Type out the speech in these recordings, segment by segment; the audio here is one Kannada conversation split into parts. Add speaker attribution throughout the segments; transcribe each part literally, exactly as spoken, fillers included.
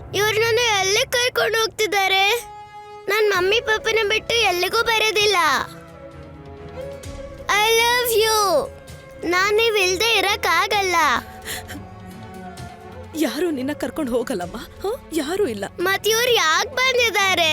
Speaker 1: ಇವ್ರು ನನ್ನ ಎಲ್ಲಿ ಕರ್ಕೊಂಡು ಹೋಗ್ತಿದ್ದಾರೆ? ನನ್ ಮಮ್ಮಿ ಪಪ್ಪನ ಬಿಟ್ಟು ಎಲ್ಲಿಗೂ ಬರೋದಿಲ್ಲ. I love you. ನಾನ್ ನೀವ್ ಇಲ್ದೆ ಇರಕ್ ಆಗಲ್ಲ.
Speaker 2: ಯಾರು ನಿನ್ನ ಕರ್ಕೊಂಡು ಹೋಗಲ್ಲಮ್ಮ, ಯಾರು ಇಲ್ಲ.
Speaker 1: ಮತ್ ಇವ್ರು ಯಾಕೆ ಬಂದಿದ್ದಾರೆ?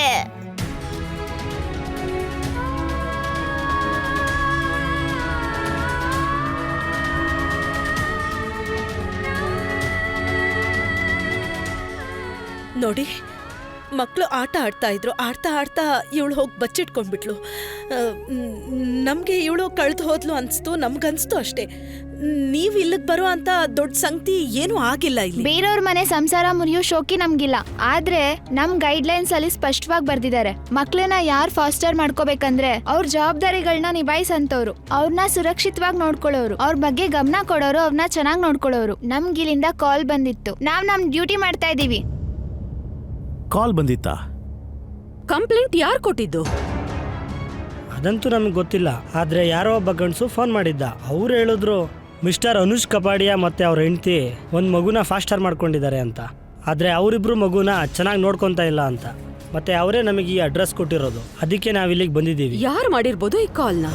Speaker 2: ನೋಡಿ, ಮಕ್ಕಳು ಆಟ ಆಡ್ತಾ ಇದ್ರು. ಆಡ್ತಾ ಆಡ್ತಾ ಇವಳು ಹೋಗಿ ಬಚ್ಚಿಟ್ಕೊಂಡ್ಬಿಟ್ಲು. ನಮಗೆ ಇವಳು ಕಳೆದು ಹೋದ್ಲು ಅನ್ಸ್ತು, ನಮ್ಗನ್ಸ್ತು ಅಷ್ಟೇ. ನೀವು ಇಲ್ಲಿಗೆ ಬರೋ ಅಂತ ದೊಡ್ಡ ಸಂಗತಿ ಏನೂ ಆಗಿಲ್ಲ. ಇಲ್ಲಿ
Speaker 3: ಬೇರೆಯವ್ರ ಮನೆ ಸಂಸಾರ ಮುರಿಯೋ ಶೋಕಿ ನಮ್ಗಿಲ್ಲ. ಆದ್ರೆ ನಮ್ ಗೈಡ್ ಲೈನ್ಸ್ ಅಲ್ಲಿ ಸ್ಪಷ್ಟವಾಗಿ ಬರ್ದಿದ್ದಾರೆ, ಮಕ್ಳನ್ನ ಯಾರ್ ಫಾಸ್ಟರ್ ಮಾಡ್ಕೋಬೇಕಂದ್ರೆ ಅವ್ರ ಜವಾಬ್ದಾರಿಗಳನ್ನ ನಿಭಾಯಿಸಂತವ್ರು, ಅವ್ರನ್ನ ಸುರಕ್ಷಿತವಾಗಿ ನೋಡ್ಕೊಳ್ಳೋರು, ಅವ್ರ ಬಗ್ಗೆ ಗಮನ ಕೊಡೋರು, ಅವ್ರನ್ನ ಚೆನ್ನಾಗಿ ನೋಡ್ಕೊಳ್ಳೋರು. ನಮ್ಗಿಲ್ಲಿಂದ ಕಾಲ್ ಬಂದಿತ್ತು, ನಾವ್ ನಮ್ ಡ್ಯೂಟಿ ಮಾಡ್ತಾ ಇದೀವಿ.
Speaker 4: ಕಾಲ್ ಬಂದಿತ್ತಾ?
Speaker 2: ಕಂಪ್ಲೇಂಟ್ ಯಾರು ಕೊಟ್ಟಿದ್ದು?
Speaker 5: ಅದಂತೂ ನಮಗೆ ಗೊತ್ತಿಲ್ಲ. ಆದರೆ ಯಾರೋ ಒಬ್ಬ ಗಂಡಸು ಫೋನ್ ಮಾಡಿದ್ದ. ಅವ್ರು ಹೇಳಿದ್ರು ಮಿಸ್ಟರ್ ಅನುಷ್ ಕಪಾಡಿಯಾ ಮತ್ತು ಅವ್ರ ಹೆಂಡತಿ ಒಂದು ಮಗುನ ಫಾಸ್ಟರ್ ಮಾಡ್ಕೊಂಡಿದ್ದಾರೆ ಅಂತ. ಆದರೆ ಅವರಿಬ್ರು ಮಗುನ ಚೆನ್ನಾಗಿ ನೋಡ್ಕೊತಾ ಇಲ್ಲ ಅಂತ. ಮತ್ತು ಅವರೇ ನಮಗೆ ಈ ಅಡ್ರೆಸ್ ಕೊಟ್ಟಿರೋದು. ಅದಕ್ಕೆ ನಾವು ಇಲ್ಲಿಗೆ ಬಂದಿದ್ದೀವಿ.
Speaker 2: ಯಾರು ಮಾಡಿರ್ಬೋದು ಈ ಕಾಲ್ನ?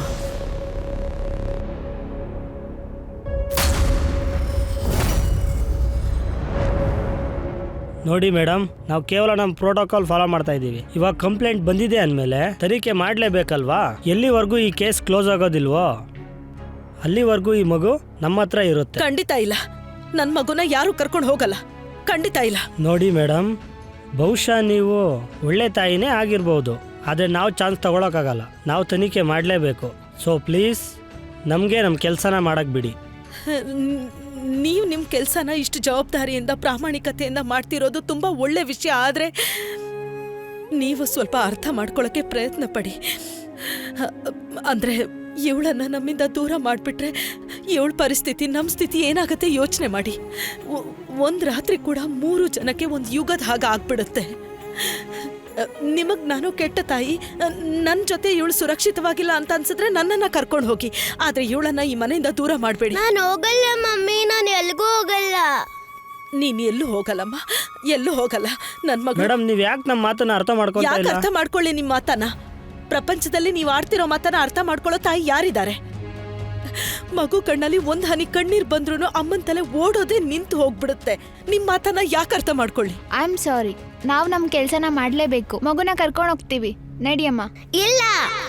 Speaker 5: ನೋಡಿ ಮೇಡಮ್, ನಾವು ಕೇವಲ ನಮ್ಮ ಪ್ರೋಟೋಕಾಲ್ ಫಾಲೋ ಮಾಡ್ತಾ ಇದ್ದೀವಿ. ಇವಾಗ ಕಂಪ್ಲೇಂಟ್ ಬಂದಿದೆ ಅಂದಮೇಲೆ ತನಿಖೆ ಮಾಡಲೇಬೇಕಲ್ವಾ? ಎಲ್ಲಿವರೆಗೂ ಈ ಕೇಸ್ ಕ್ಲೋಸ್ ಆಗೋದಿಲ್ವೋ ಅಲ್ಲಿವರೆಗೂ ಈ ಮಗು ನಮ್ಮ ಹತ್ರ ಇರುತ್ತೆ.
Speaker 2: ಖಂಡಿತ ಇಲ್ಲ, ನನ್ನ ಮಗುನ ಯಾರು ಕರ್ಕೊಂಡು ಹೋಗಲ್ಲ. ಖಂಡಿತ ಇಲ್ಲ.
Speaker 5: ನೋಡಿ ಮೇಡಮ್, ಬಹುಶಃ ನೀವು ಒಳ್ಳೆ ತಾಯಿನೇ ಆಗಿರ್ಬೋದು, ಆದರೆ ನಾವು ಚಾನ್ಸ್ ತಗೊಳಕ್ಕಾಗಲ್ಲ. ನಾವು ತನಿಖೆ ಮಾಡಲೇಬೇಕು. ಸೊ ಪ್ಲೀಸ್ ನಮಗೆ ನಮ್ಮ ಕೆಲಸನ ಮಾಡಕ್ಕೆ ಬಿಡಿ.
Speaker 2: ನೀವು ನಿಮ್ಮ ಕೆಲಸನ ಇಷ್ಟು ಜವಾಬ್ದಾರಿಯಿಂದ ಪ್ರಾಮಾಣಿಕತೆಯಿಂದ ಮಾಡ್ತಿರೋದು ತುಂಬ ಒಳ್ಳೆ ವಿಷಯ. ಆದರೆ ನೀವು ಸ್ವಲ್ಪ ಅರ್ಥ ಮಾಡ್ಕೊಳ್ಳೋಕ್ಕೆ ಪ್ರಯತ್ನ ಪಡಿ. ಅಂದರೆ ಇವಳನ್ನು ನಮ್ಮಿಂದ ದೂರ ಮಾಡಿಬಿಟ್ರೆ ಇವಳ ಪರಿಸ್ಥಿತಿ, ನಮ್ಮ ಸ್ಥಿತಿ ಏನಾಗುತ್ತೆ ಯೋಚನೆ ಮಾಡಿ. ಒಂದು ರಾತ್ರಿ ಕೂಡ ಮೂರು ಜನಕ್ಕೆ ಒಂದು ಯುಗದ ಹಾಗೆ ಆಗ್ಬಿಡುತ್ತೆ. ನಿಮಗೆ ನಾನು ಕೆಟ್ಟ ತಾಯಿ, ನನ್ನ ಜೊತೆ ಇವಳು ಸುರಕ್ಷಿತವಾಗಿಲ್ಲ ಅಂತ ಅನ್ಸಿದ್ರೆ ನನ್ನನ್ನು ಕರ್ಕೊಂಡು ಹೋಗಿ, ಆದರೆ ಇವಳನ್ನ ಈ ಮನೆಯಿಂದ ದೂರ ಮಾಡಬೇಡಿ.
Speaker 1: ನಾನು ಹೋಗಲ್ಲ ಮಮ್ಮಿ, ನಾನು ಎಲ್ಗೂ ಹೋಗಲ್ಲ.
Speaker 2: ನೀನು ಎಲ್ಲೂ ಹೋಗಲ್ಲಮ್ಮ, ಎಲ್ಲೂ ಹೋಗಲ್ಲ. ನನ್ನ ಮಗ.
Speaker 5: ಮೇಡಮ್, ನೀವು ಯಾಕೆ ನಮ್ಮ ಮಾತನ್ನ ಅರ್ಥ ಮಾಡ್ಕೊತಾ
Speaker 2: ಯಾಕೆ
Speaker 5: ಇಲ್ಲ?
Speaker 2: ಅರ್ಥ ಮಾಡ್ಕೊಳ್ಳಿ ನಿಮ್ಮ ಮಾತನ್ನ? ಪ್ರಪಂಚದಲ್ಲಿ ನೀವು ಆಡ್ತಿರೋ ಮಾತನ್ನ ಅರ್ಥ ಮಾಡ್ಕೊಳ್ಳೋ ತಾಯಿ ಯಾರಿದ್ದಾರೆ? ಮಗು ಕಣ್ಣಲ್ಲಿ ಒಂದ್ ಹನಿ ಕಣ್ಣೀರ್ ಬಂದ್ರು ಅಮ್ಮನ ತಲೆ ಓಡೋದೇ ನಿಂತು ಹೋಗ್ಬಿಡುತ್ತೆ. ನಿಮ್ ಮಾತನ್ನ ಯಾಕೆ ಅರ್ಥ ಮಾಡ್ಕೊಳ್ಳಿ?
Speaker 3: ಐ ಆಮ್ ಸಾರಿ, ನಾವ್ ನಮ್ ಕೆಲ್ಸನ ಮಾಡ್ಲೇಬೇಕು. ಮಗುನ ಕರ್ಕೊಂಡು ಹೋಗ್ತೀವಿ, ನಡಿಯಮ್ಮ.
Speaker 1: ಇಲ್ಲ,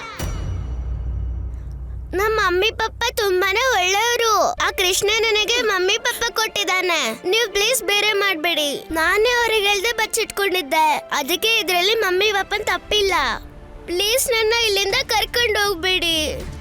Speaker 1: ನಮ್ಮ ಮಮ್ಮಿ ಪಪ್ಪ ತುಂಬಾನೇ ಒಳ್ಳೆಯವರು. ಆ ಕೃಷ್ಣ ನನಗೆ ಮಮ್ಮಿ ಪಪ್ಪ ಕೊಟ್ಟಿದ್ದಾನೆ. ನೀವು ಪ್ಲೀಸ್ ಬೇರೆ ಮಾಡ್ಬೇಡಿ. ನಾನೇ ಅವ್ರಿಗೆ ಹೇಳ್ದೆ ಬಚ್ಚಿಟ್ಕೊಂಡಿದ್ದೆ. ಅದಕ್ಕೆ ಇದ್ರಲ್ಲಿ ಮಮ್ಮಿ ಪಪ್ಪನ್ ತಪ್ಪಿಲ್ಲ. ಪ್ಲೀಸ್ ನನ್ನ ಇಲ್ಲಿಂದ ಕರ್ಕೊಂಡು ಹೋಗ್ಬೇಡಿ.